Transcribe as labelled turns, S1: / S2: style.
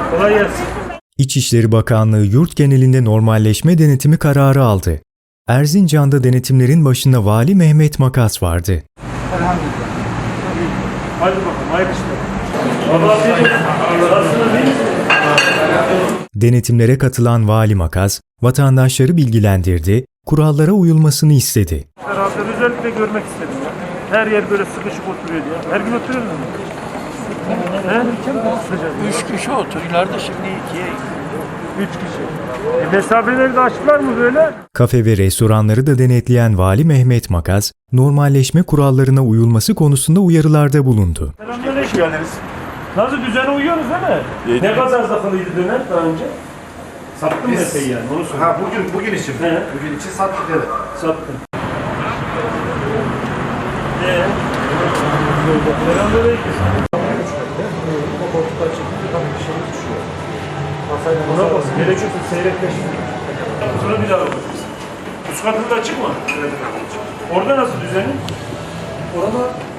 S1: Kolay gelsin.
S2: İçişleri Bakanlığı yurt genelinde normalleşme denetimi kararı aldı. Erzincan'da denetimlerin başında Vali Mehmet Makas vardı.
S1: Elhamdülillah. Hadi bakalım, hayırlı işler. Allah razı olsun.
S2: Denetimlere katılan Vali Makas, vatandaşları bilgilendirdi, kurallara uyulmasını istedi.
S1: Beraber özellikle görmek istedim ya. Her yer böyle sıkışık oturuyor diye. Her gün oturuyor mu? He? Sıcak.
S3: 3 kişi oturuyorlardı, şimdi 2'ye.
S1: 3 kişi. Mesafeleri de açtılar mı böyle?
S2: Kafe ve restoranları da denetleyen Vali Mehmet Makas, normalleşme kurallarına uyulması konusunda uyarılarda bulundu.
S1: Selamünaleyküm. Nasıl düzene uyuyoruz değil mi? Ne kadar zakılıydı döner daha önce? Sattın mı epey yani? Onu söyle.
S4: Ha bugün için.
S1: He.
S4: Bugün için sattık evet.
S1: Sattın. Selamünaleyküm.
S4: O koltuklar çekildi tabii bir şey düşüyor.
S1: Buna bak, gerekiyorsa seyrekleşsin. Sonra bir daha bakacağız. Üst katında açık mı? Evet. Orada nasıl düzeni?
S4: Orada